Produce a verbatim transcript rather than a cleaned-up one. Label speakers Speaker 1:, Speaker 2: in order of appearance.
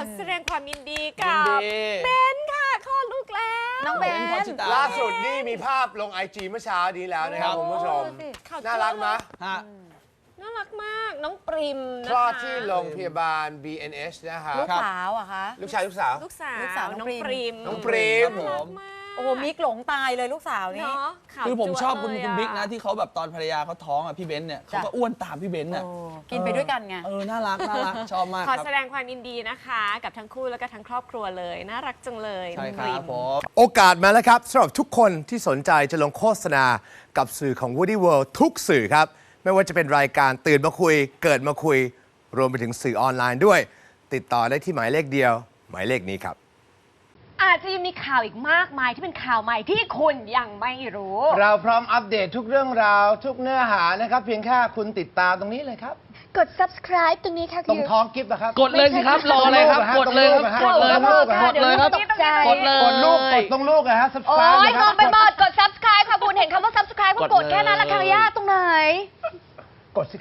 Speaker 1: แสดงความยินดีกับเบนค่ะคลอดลูกแล้ว
Speaker 2: น้องเบน
Speaker 3: ล่าสุดนี่มีภาพลงไอจีเมื่อเช้านี้แล้วนะครับคุณผู้ชมน่ารักไหม
Speaker 1: น่ารักมากน้องปริมนะคะ
Speaker 3: คลอดที่โรงพยาบาล บี เอ็น เอช นะคะ
Speaker 2: ลูกสาวอะคะ
Speaker 3: ลูกชายลูกสาว
Speaker 1: ลูกสาวลูกสาวน้องปริม
Speaker 3: น้องปริม
Speaker 2: โอ้โหมิกหลงตายเลยลูกสาวนี่
Speaker 4: คือผมชอบคุณคุณบิ๊กนะที่เขาแบบตอนภรรยาเขาท้องอ่ะพี่เบนเนี่ยเขาก็อ้วนตามพี่เบนเนี่ย
Speaker 2: กินไปด้วยกันไง
Speaker 4: เออน่ารักน่ารักชอบมาก
Speaker 1: ขอแสดงความยินดีนะคะกับทั้งคู่แล้วก็ทั้งครอบครัวเลยน่ารักจังเลย
Speaker 4: ใช่ครับผม
Speaker 3: โอกาสมาแล้วครับสำหรับทุกคนที่สนใจจะลงโฆษณากับสื่อของ Woody World ทุกสื่อครับไม่ว่าจะเป็นรายการตื่นมาคุยเกิดมาคุยรวมไปถึงสื่อออนไลน์ด้วยติดต่อได้ที่หมายเลขเดียวหมายเลขนี้ครับ
Speaker 1: อาจจะยังมีข่าวอีกมากมายที่เป็นข่าวใหม่ที่คุณยังไม่รู้
Speaker 3: เราพร้อมอัปเดตทุกเรื่องราวทุกเนื้อหานะครับเพียงแค่คุณติดตามตรงนี้เลยครับ
Speaker 5: กด subscribe ตรงนี้ค่ะ
Speaker 3: ตรงท้องกิฟต์นะครับ
Speaker 4: กดเลยสิครับรอเลยครับกดเลยครับกดเลยครับกดเลยครับกดเลย
Speaker 3: กดลูกกดตรงลูกนะฮะ
Speaker 5: subscribe โอ้ยงงไปหมดกด subscribe ค่ะคุณเห็นคำว่า subscribe ก็กดแค่นั้นละค่ะย่าตรงไหน